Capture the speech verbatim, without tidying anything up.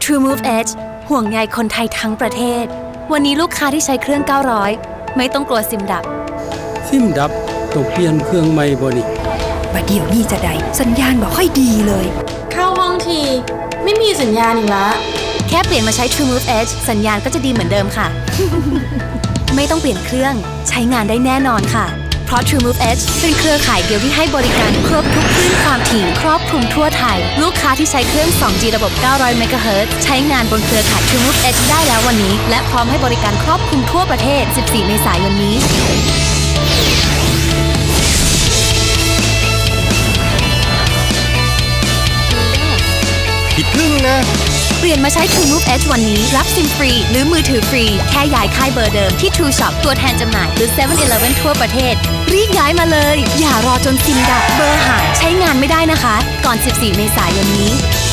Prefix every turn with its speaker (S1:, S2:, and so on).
S1: True Move Edge ห่วงใยคนไทยทั้งประเทศวันนี้ลูกค้าที่ใช้เครื่องเก้าร้อยไม่ต้องกลัวซิมดับ
S2: ซิมดับต้องเปลี่ยนเครื่องใหม่บ่นี่
S3: บัดเดี๋ยวนี้จะได้สัญญาณบ่ค่อยดีเลย
S4: เข้าห้องทีไม่มีสัญญาณอีกละ
S1: แค่เปลี่ยนมาใช้ True Move Edge สัญญาณก็จะดีเหมือนเดิมค่ะ ไม่ต้องเปลี่ยนเครื่องใช้งานได้แน่นอนค่ะเพราะ True Move Edge เป็นเครือข่ายเดียวที่ให้บริการครบทุกคลื่นความถี่ครอบคลุมทั่วไทยลูกค้าที่ใช้เครื่อง สอง จี ระบบ เก้าร้อย เมกะเฮิรตซ์ ใช้งานบนเครือข่าย True Move Edge ได้แล้ววันนี้และพร้อมให้บริการครอบคลุมทั่วประเทศ สิบสี่ เมษายนนี้
S5: ผิดครึ่งนะ
S1: เปลี่ยนมาใช้ True Move Edge วันนี้รับซิมฟรีหรือมือถือฟรีแค่ย้ายค่ายเบอร์เดิมที่ True Shop ตัวแทนจำหน่ายหรือ เซเว่น อีเลฟเว่น ทั่วประเทศรีบย้ายมาเลยอย่ารอจนซิมดับเบอร์หายใช้งานไม่ได้นะคะก่อน สิบสี่ เมษายนนี้